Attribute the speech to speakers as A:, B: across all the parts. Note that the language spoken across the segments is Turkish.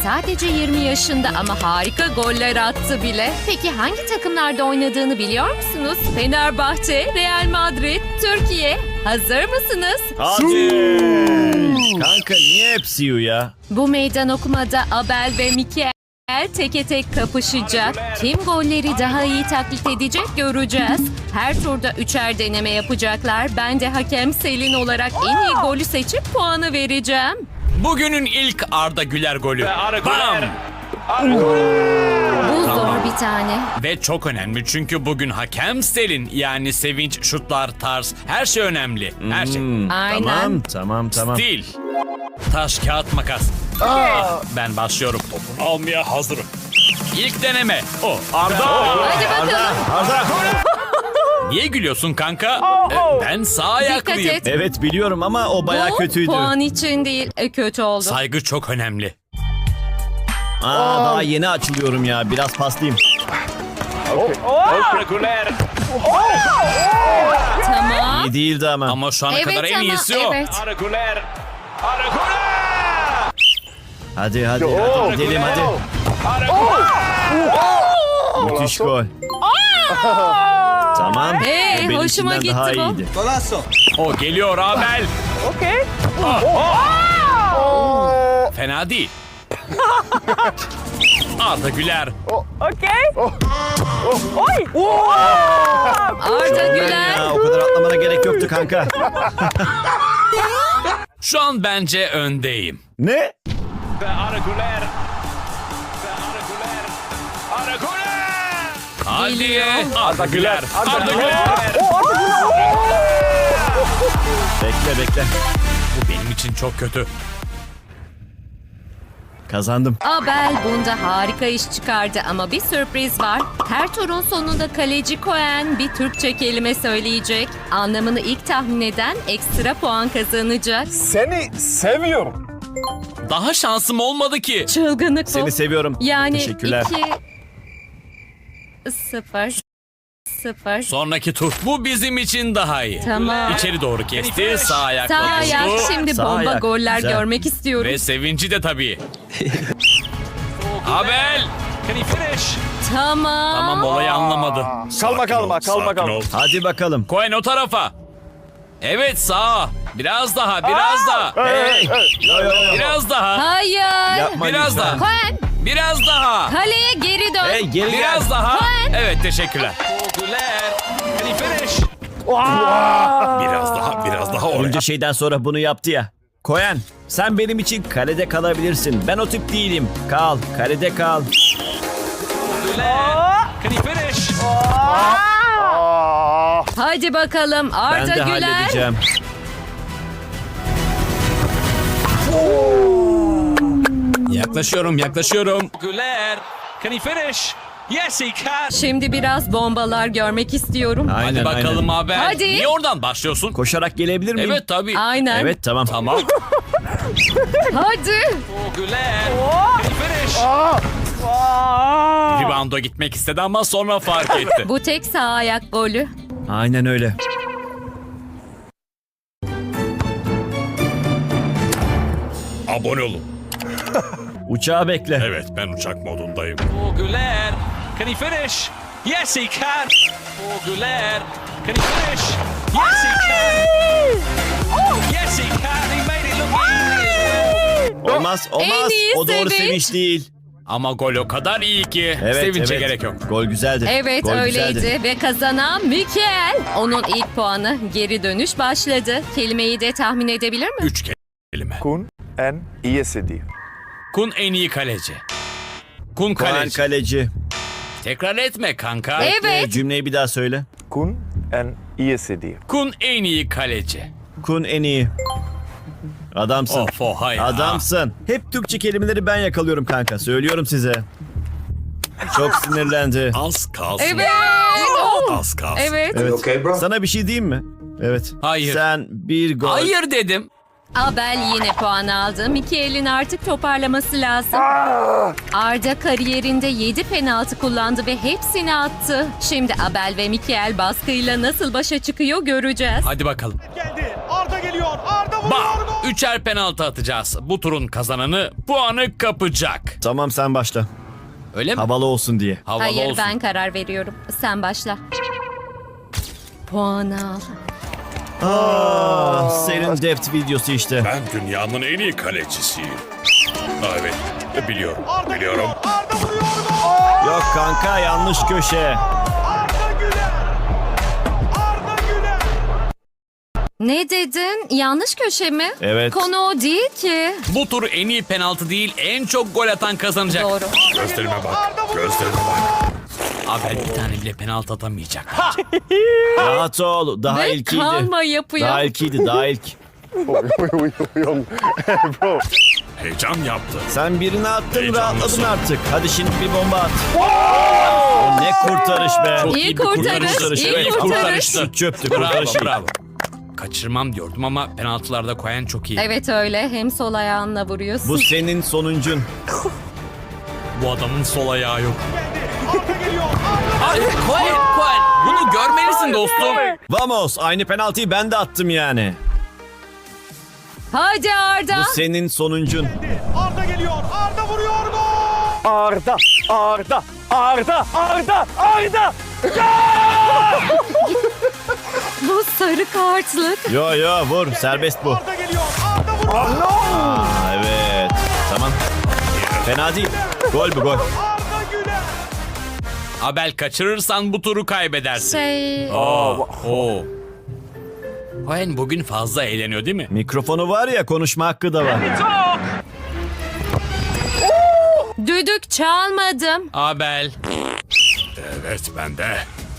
A: Sadece 20 yaşında ama harika goller attı bile. Peki hangi takımlarda oynadığını biliyor musunuz? Fenerbahçe, Real Madrid, Türkiye. Hazır mısınız?
B: Hadi. Kanka niye hep Siyu ya?
A: Bu meydan okumada Abel ve Mikael teke tek kapışacak. Kim golleri daha iyi taklit edecek göreceğiz. Her turda üçer deneme yapacaklar. Ben de hakem Selin olarak en iyi golü seçip puanı vereceğim.
C: Bugünün ilk Arda Güler golü. Bam!
A: Bu zor bir tane.
C: Ve çok önemli çünkü bugün hakem Selin, yani sevinç, şutlar, tarz, her şey önemli. Her şey.
A: Aynen.
B: Tamam.
C: Stil. Taş, kağıt, makas. Ben başlıyorum. Topu almaya hazırım. İlk deneme. O. Arda.
A: Hadi bakalım.
B: Arda.
C: Niye gülüyorsun kanka? Ben sağ ayaklıyım.
A: et.
B: Evet biliyorum ama o bayağı
A: Bu
B: kötüydü.
A: puan için değil, kötü oldu.
C: Saygı çok önemli.
B: Daha yeni açılıyorum ya. Biraz paslayayım.
A: Tamam.
B: İyi değildi ama.
C: Ama şu ana
A: Evet
C: kadar en
A: ama
C: iyisi o.
A: evet.
B: Hadi gidelim hadi. Müthiş gol. Tamam.
A: Hey,
B: O benim
A: hoşuma
B: içimden daha
A: gitti bu.
B: iyiydi.
C: O geliyor Abel. Fena değil. Arda Güler.
A: Arda Güler.
B: Ya, o kadar atlamana gerek yoktu kanka.
C: Şu an bence öndeyim.
B: Ne?
C: Hadi
A: Geliyor.
C: Arda Güler. Arda Güler.
B: Bekle.
C: Bu benim için çok kötü.
B: Kazandım.
A: Abel bunda harika iş çıkardı ama bir sürpriz var. Her turun sonunda kaleci Cohen bir Türkçe kelime söyleyecek. Anlamını ilk tahmin eden ekstra puan kazanacak.
D: Seni seviyorum.
C: Daha şansım olmadı ki.
A: Çılgınlık bu.
B: Seni seviyorum.
A: Yani
B: Teşekkürler.
A: 2-0.
C: Sonraki tur. Bu bizim için daha iyi.
A: Tamam.
C: İçeri doğru kesti. Sağ ayakla
A: Sağ ayak.
C: vurdu.
A: Şimdi
B: Sağ
A: bomba
B: ayak.
A: goller
B: Güzel.
A: görmek istiyorum.
C: Ve sevinci de tabii. Abel.
A: Tamam.
C: Tamam, olayı anlamadı.
D: Kalma.
B: Hadi bakalım.
C: Cohen o tarafa. Evet, sağa. Biraz daha.
B: Hey.
C: Biraz daha.
A: Hayır.
B: Yapma
C: Biraz
B: lütfen.
C: daha.
A: Cohen
C: Biraz daha.
A: kaleye geri dön.
B: Hey geri gel.
C: Biraz daha.
A: Cohen.
C: Evet, teşekkürler. Biraz daha oraya.
B: Bunca şeyden sonra bunu yaptı ya. Koyan, sen benim için kalede kalabilirsin. Ben o tip değilim. Kal, kalede kal.
A: Hadi bakalım
B: Ben
A: Arda
B: de
A: Güler.
B: halledeceğim.
C: Yaklaşıyorum.
E: Güler, can he finish? Yes, he can.
A: Şimdi biraz bombalar görmek istiyorum.
B: Aynen,
C: Hadi bakalım Abel.
A: Hadi.
C: Niye oradan başlıyorsun?
B: Koşarak gelebilir miyim?
C: Evet tabii.
A: Aynen.
B: Evet tamam.
C: Tamam.
A: Hadi.
E: Oh, Güler, can he finish?
C: Rebound'a gitmek istedi ama sonra fark etti.
A: Bu tek sağ ayak golü.
B: Aynen öyle.
C: Abone olun.
B: Uçağı bekle.
C: Evet, ben uçak modundayım.
E: Oh, Güler, can he finish? Yes, he can. Oh, Güler, can he finish? Yes, he can. Yes, he can. He made it look easy.
B: Olmaz.
A: En iyi
B: O doğru
A: sevinç.
B: sevinç değil.
C: Ama gol o kadar iyi ki
B: Evet,
C: sevince
B: evet.
C: gerek yok.
B: Gol güzeldi.
A: Evet
B: Gol
A: öyleydi
B: güzeldi.
A: ve kazanan Mikael. Onun ilk puanı geri dönüş başladı. Kelimeyi de tahmin edebilir mi?
C: 3 kelime.
D: Kun en iyisi.
C: Kun en iyi kaleci. Kun
B: Koyan
C: kaleci.
B: kaleci.
C: Tekrar etme kanka.
A: Evet.
B: Cümleyi bir daha söyle.
D: Kun en iyisi.
C: Kun en iyi kaleci.
B: Kun en iyi. Adamsın.
C: Of o hayır.
B: Adamsın. Hep Türkçe kelimeleri ben yakalıyorum kanka. Söylüyorum size. Çok sinirlendi.
C: Az kalsın.
A: Evet. Oh.
C: Az kalsın.
A: Evet.
B: Evet. Sana bir şey diyeyim mi? Evet.
C: Hayır.
B: Sen bir gol.
C: Hayır dedim.
A: Abel yine puan aldı. Mikael'in artık toparlaması lazım. Arda kariyerinde 7 penaltı kullandı ve hepsini attı. Şimdi Abel ve Mikael baskıyla nasıl başa çıkıyor göreceğiz.
C: Hadi bakalım.
F: Geldi. Arda geliyor. Arda
C: Üçer penaltı atacağız. Bu turun kazananı puanı kapacak.
B: Tamam sen başla.
C: Öyle mi?
B: Havalı olsun diye.
C: Havalı
A: Hayır
C: olsun.
A: ben karar veriyorum. Sen başla. Puan al.
B: Senin depth videosu işte.
F: Ben dünyanın en iyi kalecisiyim. Evet, biliyorum, biliyorum.
B: Yok kanka yanlış köşe.
A: Ne dedin? Yanlış köşe mi?
B: Evet.
A: Konu o değil ki.
C: Bu tur en iyi penaltı değil, en çok gol atan kazanacak.
A: Doğru.
F: Gözlerime bak, gözlerime bak.
C: Abel bir tane bile penaltı atamayacak.
B: Rahat ol. Daha
A: Ve
B: ilkiydi.
A: kalma yapıyor.
B: Daha ilkiydi daha ilk.
F: Heyecan yaptı.
B: Sen birini attın
F: Heyecanlısın.
B: rahatladın artık. Hadi şimdi bir bomba at. O ne kurtarış be.
C: Çok
A: İyi
C: iyi bir
A: kurtarış,
C: kurtarış.
A: iyi
C: Evet,
A: kurtarış.
C: kurtarıştı.
B: Şut çöptü
C: Bravo,
B: kurtarış.
C: bravo. Kaçırmam diyordum ama penaltılarda koyan çok iyi.
A: Evet öyle. Hem sol ayağınla vuruyorsun.
B: Bu senin sonuncun.
C: Bu adamın sol ayağı yok. Hayır, Koen. Bunu görmelisin dostum.
B: Vamos aynı penaltıyı ben de attım yani.
A: Hadi Arda.
B: Bu senin sonuncun.
G: Arda geliyor. Arda vuruyor. Gol!
D: Arda, Arda, Arda, Arda, Arda.
A: Bu sarı kartlık.
B: Yo yo vur serbest bu.
G: Arda geliyor. Arda vuruyor.
B: Aa, evet tamam. Fena değil. Gol bu gol.
G: Arda Güler.
C: Abel kaçırırsan bu turu kaybedersin. Oo. Koen bugün fazla eğleniyor değil mi?
B: Mikrofonu var ya konuşma hakkı da var.
A: Düdük çalmadım.
C: Abel.
F: Evet, ben de.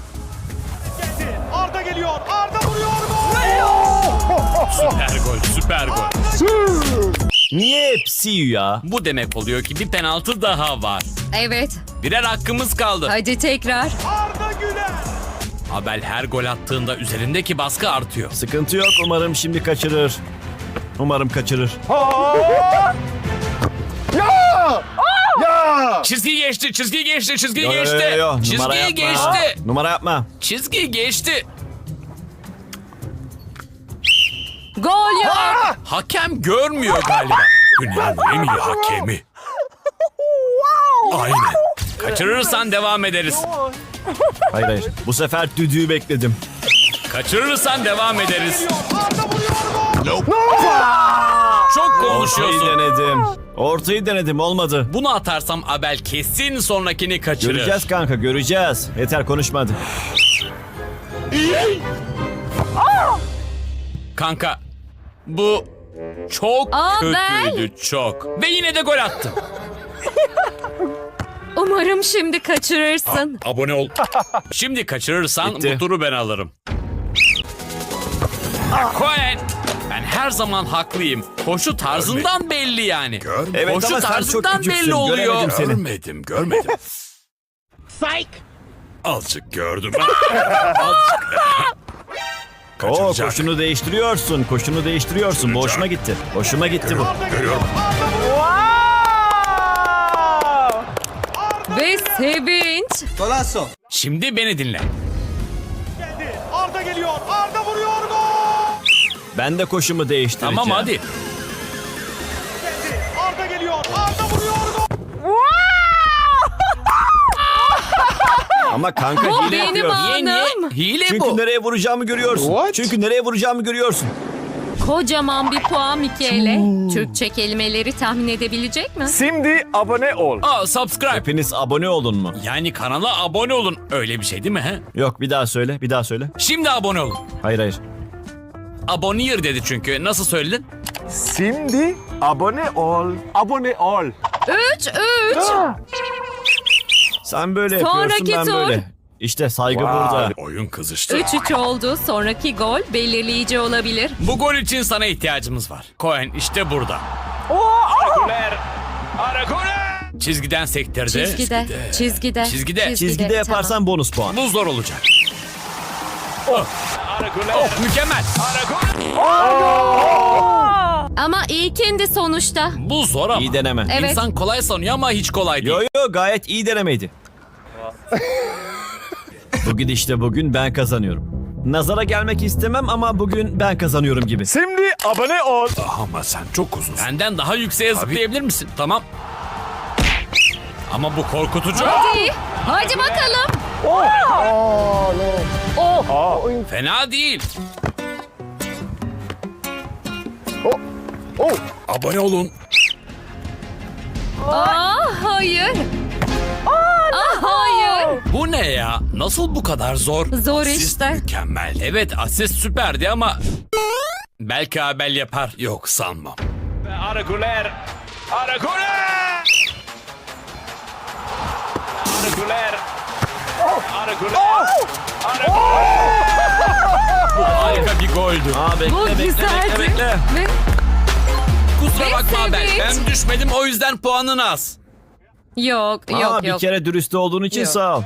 G: Arda geliyor. Arda vuruyor. Gol!
C: Süper gol, süper gol.
B: Niye hepsi ya?
C: Bu demek oluyor ki bir penaltı daha var.
A: Evet.
C: Birer hakkımız kaldı.
A: Hadi tekrar.
G: Arda Güler.
C: Abel her gol attığında üzerindeki baskı artıyor.
B: Sıkıntı yok umarım şimdi kaçırır. Umarım kaçırır.
C: Çizgiyi geçti, çizgiyi geçti, çizgiyi
B: Yo, yo,
C: geçti.
B: yo, yo. Numara
C: Çizgiyi
B: yapma.
C: geçti.
B: Numara yapma.
C: Çizgiyi geçti.
A: Gol yok.
C: Hakem görmüyor galiba.
F: Dünyanın en iyi hakemi.
C: Aynen. Kaçırırsan devam ederiz.
B: Hayır hayır. Bu sefer düdüğü bekledim.
C: Kaçırırsan devam ederiz. Çok
B: Ortayı
C: konuşuyorsun.
B: denedim. Ortayı denedim olmadı.
C: Bunu atarsam Abel kesin sonrakini kaçırır.
B: Göreceğiz kanka göreceğiz. Yeter konuşmadı.
C: Kanka bu çok
A: Abel.
C: kötüydü çok. Ve yine de gol attı.
A: Umarım şimdi kaçırırsın.
F: Abone ol.
C: Şimdi kaçırırsan
B: Bitti.
C: bu turu ben alırım. Koen. Ben her zaman haklıyım. Koşu tarzından belli yani.
B: Evet
C: Koşu
B: ama sen çok
C: tarzından
B: küçüksün.
C: belli oluyor.
B: Göremedim seni.
F: Görmedim. Azıcık gördüm.
B: Oo
F: Kaçıracak.
B: koşunu değiştiriyorsun. Koşunu değiştiriyorsun. Bu hoşuma gitti. Hoşuma gitti bu.
F: Görüyorum.
A: Ve sevinç.
C: Şimdi beni dinle.
G: Geldi. Arda geliyor. Arda vuruyor. Gol!
B: Ben de koşumu değiştireceğim.
C: Tamam hadi.
G: Geldi. Arda geliyor. Arda vuruyor. Gol!
B: Ama kanka
A: Bu
B: hile
A: benim
B: yapıyorsun.
A: anım.
C: Niye? Hile
B: Çünkü
C: bu.
B: nereye vuracağımı görüyorsun. Çünkü nereye vuracağımı görüyorsun.
A: Kocaman bir puan Michele. Türkçe kelimeleri tahmin edebilecek mi?
D: Şimdi abone ol.
C: Aa, subscribe.
B: Hepiniz abone olun mu?
C: Yani kanala abone olun. Öyle bir şey değil mi he?
B: Yok bir daha söyle. Bir daha söyle.
C: Şimdi abone olun.
B: Hayır hayır.
C: Abonir dedi çünkü. Nasıl söyledin?
D: Şimdi abone ol. Abone ol.
A: 3-3.
B: Sen böyle
A: Sonraki
B: yapıyorsun ben
A: tur.
B: böyle. İşte saygı
D: Vay.
B: burada.
F: Oyun kızıştı.
A: 3-3 oldu. Sonraki gol belirleyici olabilir.
C: Bu gol için sana ihtiyacımız var. Koen işte burada. Çizgiden sektirdi.
A: Çizgide. Çizgide.
C: Çizgide.
B: Çizgide yaparsan bonus puan.
C: Bu zor olacak. Oh, mükemmel.
A: Ama ilkindi sonuçta.
C: Bu zor ama.
B: İyi deneme.
A: Evet.
C: İnsan kolay sanıyor ama hiç kolay değil.
B: Yo yo gayet iyi denemeydi. Bu gidişte bugün ben kazanıyorum. Nazara gelmek istemem ama bugün ben kazanıyorum gibi.
D: Şimdi abone ol.
F: Ama sen çok uzunsun.
C: Benden daha yükseğe zıplayabilir misin? Tamam. Ama bu korkutucu.
A: Hadi bakalım.
C: Fena değil.
F: Abone olun.
A: Hayır. Hayır.
C: Bu ne ya? Nasıl bu kadar zor?
A: Zor
F: Siz
A: işte.
F: mükemmel.
C: Evet, asist süperdi ama belki Abel yapar.
F: Yok sanmam.
G: Arda Güler. Arda Güler. Arda Güler. Arda Güler. Arda
C: Harika bir goldü.
A: Bu güzeldi. Ve
C: Kusura
A: Ve
C: bakma Abel.
A: sevinç.
C: Ben düşmedim, o yüzden puanın az.
A: yok
B: Bir
A: yok.
B: kere dürüst olduğun için
A: Yok.
B: sağ ol.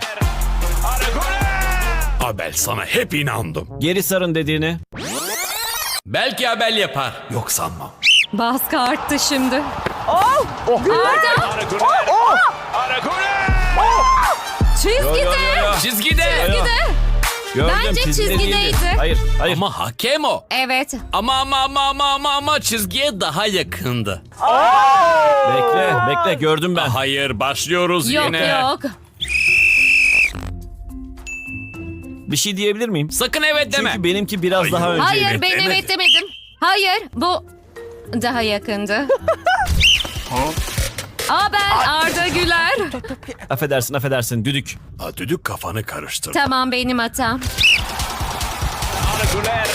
F: Abel sana hep inandım.
B: Geri sarın dediğini.
C: Belki Abel yapar.
F: Yok sanmam.
A: Baskı arttı şimdi.
G: Güler. Arda Güler.
A: Çizgide.
C: Çizgide.
B: Gördüm,
A: Bence
B: çizgide
A: çizgideydi.
B: değildi. Hayır.
C: Ama hakem o.
A: Evet.
C: Ama çizgiye daha yakındı.
B: Bekle gördüm ben.
C: Hayır, başlıyoruz
A: Yok
C: yine.
A: yok.
B: Bir şey diyebilir miyim?
C: Sakın evet deme.
B: Çünkü benimki biraz daha önceydi.
A: Hayır ben
F: demedi.
A: evet demedim. Hayır bu daha yakındı. Abel Arda Güler.
B: Affedersin düdük.
F: Düdük kafanı karıştır.
A: Tamam benim hatam.
G: Arda Güler.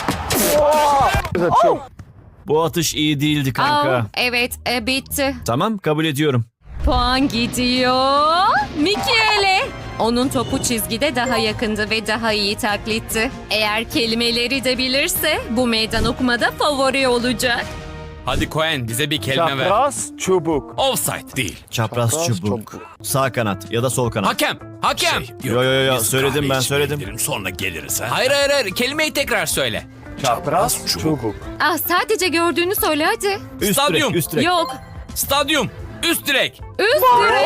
B: Bu atış iyi değildi kanka.
A: Evet bitti.
B: Tamam kabul ediyorum.
A: Puan gidiyor. Michele. Onun topu çizgide daha yakındı ve daha iyi taklitti. Eğer kelimeleri de bilirse bu meydan okumada favori olacak.
C: Hadi Cohen, bize bir kelime ver.
D: Çapraz çubuk.
C: Offside değil.
B: Çapraz çubuk. Sağ kanat ya da sol kanat.
C: Hakem.
B: Yo,
F: Biz
B: söyledim
F: kahve
B: ben,
F: içmeye
B: söyledim.
F: gidelim, sonra geliriz ha.
C: Hayır, kelimeyi tekrar söyle.
D: Çapraz çubuk.
A: Sadece gördüğünü söyle hadi.
B: Üst
C: Stadyum.
B: direk, üst direk.
A: Yok.
C: Stadyum. Üst direk.
A: Üst direk.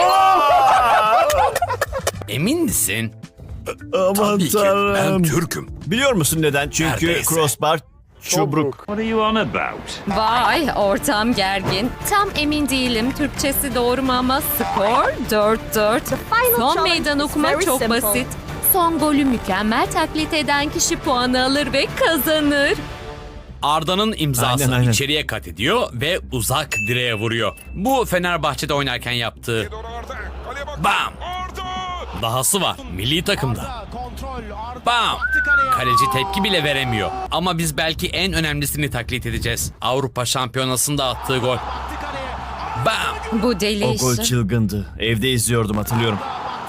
C: Emin misin?
B: Aman
F: Tabii ki ben
B: tanrım.
F: Türk'üm.
B: Biliyor musun neden? Çünkü
F: Neredeyse.
B: crossbar çubruk.
A: Vay ortam gergin. Tam emin değilim Türkçesi doğru mu ama skor 4-4. Son meydan okuma çok basit. Son golü mükemmel taklit eden kişi puanı alır ve kazanır.
C: Arda'nın imzası
B: Aynen.
C: içeriye kat ediyor ve uzak direğe vuruyor. Bu Fenerbahçe'de oynarken yaptığı. Bam! Dahası var. Milli takımda. Bam! Kaleci tepki bile veremiyor. Ama biz belki en önemlisini taklit edeceğiz. Avrupa Şampiyonası'nda attığı gol. Bam!
A: Bu deli
B: O gol
A: işi.
B: çılgındı. Evde izliyordum hatırlıyorum.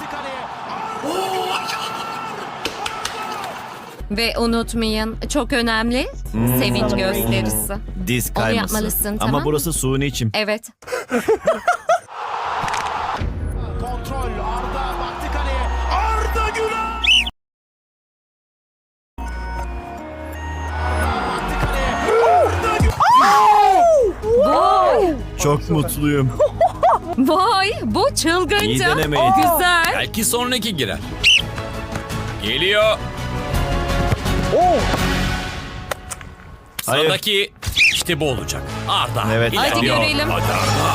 A: Ve unutmayın çok önemli sevinç gösterisi.
B: Diz
A: Onu
B: kayması.
A: yapmalısın,
B: Ama
A: tamam.
B: burası suni içim.
A: Evet.
G: Kontrol. Arda baktı kaleye. Arda Güler. Baktı kaleye.
A: Vay.
B: Çok mutluyum.
A: Vay bu
B: İyi
A: çılgınca.
B: denemeydi.
A: Güzel.
C: Belki sonraki girer. Geliyor.
B: Hayır.
C: Sıradaki işte bu olacak. Arda.
B: Evet.
A: Hadi
C: ilerliyor.
A: görelim.
F: Hadi Arda.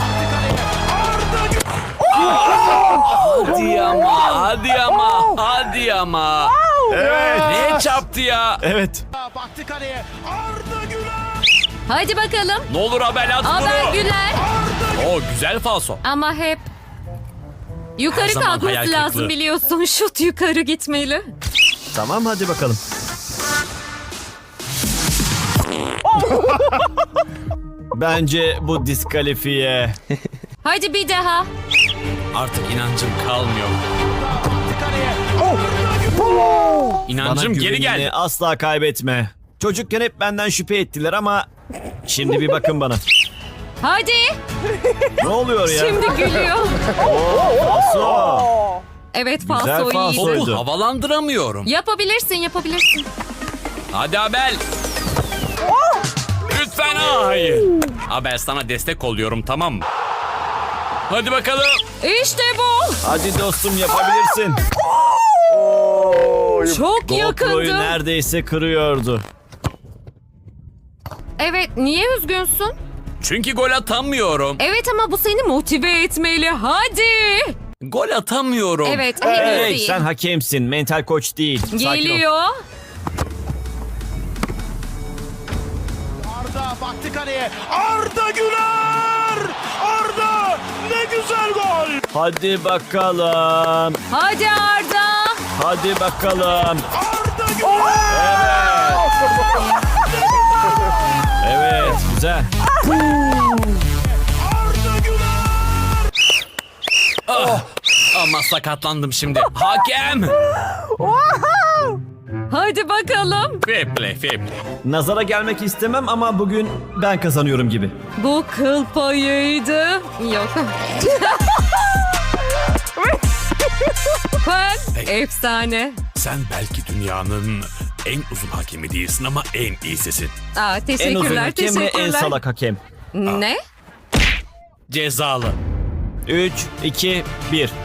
C: Hadi ama.
B: Evet.
C: Ne çarptı ya?
B: Evet.
G: Baktı kaleye. Arda Güler.
A: Hadi bakalım.
C: Ne olur Abel at
A: Abel
C: bunu.
A: Güler.
C: O güzel falso.
A: Ama hep yukarı
C: Her zaman hayal
A: kalkması lazım
C: kırıklığı.
A: biliyorsun. Şut yukarı gitmeli.
B: Tamam hadi bakalım. Bence bu diskalifiye.
A: Hadi bir daha.
C: Artık inancım kalmıyor.
G: Baktı kaleye.
B: Bana
C: İnancım geri
B: güvenini
C: geldi.
B: asla kaybetme. Çocukken hep benden şüphe ettiler ama şimdi bir bakın bana.
A: Hadi.
B: Ne oluyor ya?
A: Şimdi gülüyor.
B: Paso.
A: Evet
B: Güzel
A: falso
B: falso.
A: iyi.
B: Soydu.
C: Topu havalandıramıyorum.
A: Yapabilirsin.
C: Hadi Abel. Lütfen hayır. Abel sana destek oluyorum, tamam mı? Hadi bakalım.
A: İşte bu.
B: Hadi dostum yapabilirsin.
A: Çok
B: GoPro'yu
A: yakındı.
B: neredeyse kırıyordu.
A: Evet, niye üzgünsün?
C: Çünkü gol atamıyorum.
A: Evet ama bu seni motive etmeli. Hadi.
C: Gol atamıyorum.
A: Evet, henüz
B: Hey,
A: değil.
B: sen hakemsin, mental koç değil. Sakin ol.
A: Geliyor.
G: Arda baktı kaleye. Arda Güler! Arda ne güzel gol!
B: Hadi bakalım.
A: Hadi Arda.
B: Hadi bakalım.
G: Arda Güler!
B: Evet, güzel.
G: Arda Güler!
C: Ama sakatlandım şimdi. Hakem.
A: Hadi bakalım.
C: Fair play, fair play.
B: Nazara gelmek istemem ama bugün ben kazanıyorum gibi.
A: Bu kıl payıydı. Yok. Ben efsane.
F: Sen belki dünyanın en uzun hakemi değilsin ama en iyisisin.
A: Aa,
B: En uzun
A: teşekkürler,
B: hakem ve en
A: teşekkürler.
B: salak hakem.
A: Ne?
C: Cezalı.
B: 3, 2, 1.